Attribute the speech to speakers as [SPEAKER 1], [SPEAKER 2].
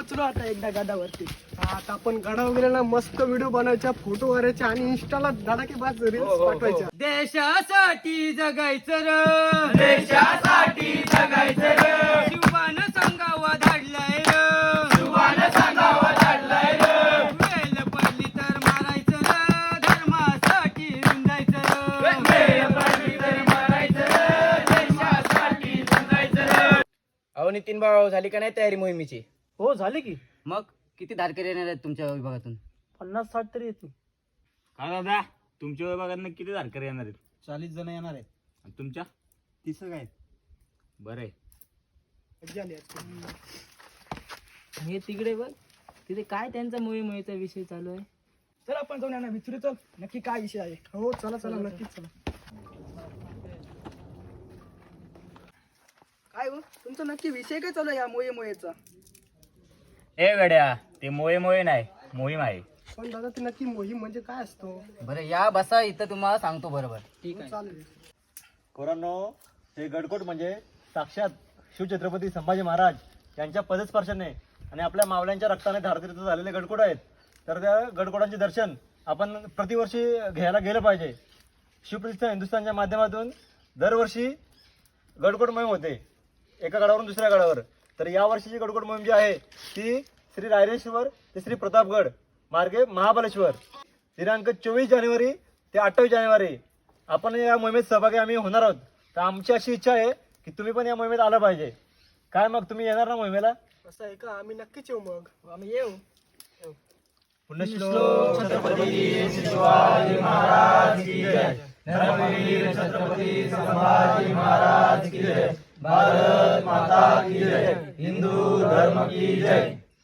[SPEAKER 1] पोचलो आता एकदा गडावरती. आता आपण गडावर गेलेला मस्त व्हिडिओ बनवायचा, फोटो वगैरेचे आणि इंस्टाला धडाकेबाज रील्स पाठवायच्या.
[SPEAKER 2] देशासाठी जगायचं र, देशासाठी जगायचं र, शिवान सांगावा धाडलाय र, शिवान सांगावा धाडलाय र, वेल पडली तर मारायचं र, धर्मासाठी रुंदायचं र, वेल पडली तर मारायचं र, देशासाठी रुंदायचं र. अहो नितीन भाऊ, झाली का नाही तयारी मोहिमेची?
[SPEAKER 1] हो झाले की.
[SPEAKER 2] मग किती धारकरी येणार आहेत तुमच्या विभागातून?
[SPEAKER 1] 50-60 तरी येतील.
[SPEAKER 3] का दादा, तुमच्या विभागात किती धारकरी येणार आहेत?
[SPEAKER 4] 40 जण येणार आहेत.
[SPEAKER 3] आणि तुमच्या?
[SPEAKER 4] 30 आहेत.
[SPEAKER 3] बरं आहे.
[SPEAKER 1] मज्जा आली आज.
[SPEAKER 2] हे तिकडे बघ, तिथे काय त्यांचा मोहिमेचा विषय चालू आहे.
[SPEAKER 1] चल आपण जाऊन यांना विचारू, चल नक्की काय विषय आहे. हो चला चला नक्कीच चला. काय हो तुमचा नक्की विषय काय चालू आहे या मोहिमेचा?
[SPEAKER 3] ए वेड्या, ते मोये नाही, मोहीम आहे.
[SPEAKER 1] पण दादा ती नक्की मोहीम म्हणजे काय असतो?
[SPEAKER 2] बरं या बसा, इथं तुम्हाला सांगतो बरोबर. ठीक आहे.
[SPEAKER 1] चालेल.
[SPEAKER 4] कोरांनो, हे गडकोट म्हणजे साक्षात शिवछत्रपती संभाजी महाराज यांच्या पदस्पर्शाने आणि आपल्या मावल्यांच्या रक्ताने धारतीर्थ झालेले गडकोट आहेत. तर त्या गडकोटांचे दर्शन आपण प्रतिवर्षी घ्यायला गेलं पाहिजे. शिवप्रतिष्ठान हिंदुस्थानच्या माध्यमातून दरवर्षी गडकोट मोहीम होते, एका गडावरून दुसऱ्या गडावर. तर या वर्षीची गडकोट मोहीम जी आहे ती श्री रायरेश्वर ते श्री प्रतापगड मार्गे महाबळेश्वर, दिनांक 24 जानेवारी ते 28 जानेवारी आपण या मोहिमेत सहभागी आम्ही होणार आहोत. तर आमची अशी इच्छा आहे की तुम्ही पण या मोहिमेत आलं पाहिजे. काय मग तुम्ही येणार ना मोहिमेला?
[SPEAKER 1] असं आहे का? आम्ही नक्कीच येऊ. मग आम्ही येऊ.
[SPEAKER 4] पुण्यश्लोक
[SPEAKER 2] छत्रपती शिवाजी महाराज की जय, धर्मवीर छत्रपती संभाजी महाराज की जय, भारत माता की जय, हिंदू धर्म की जय.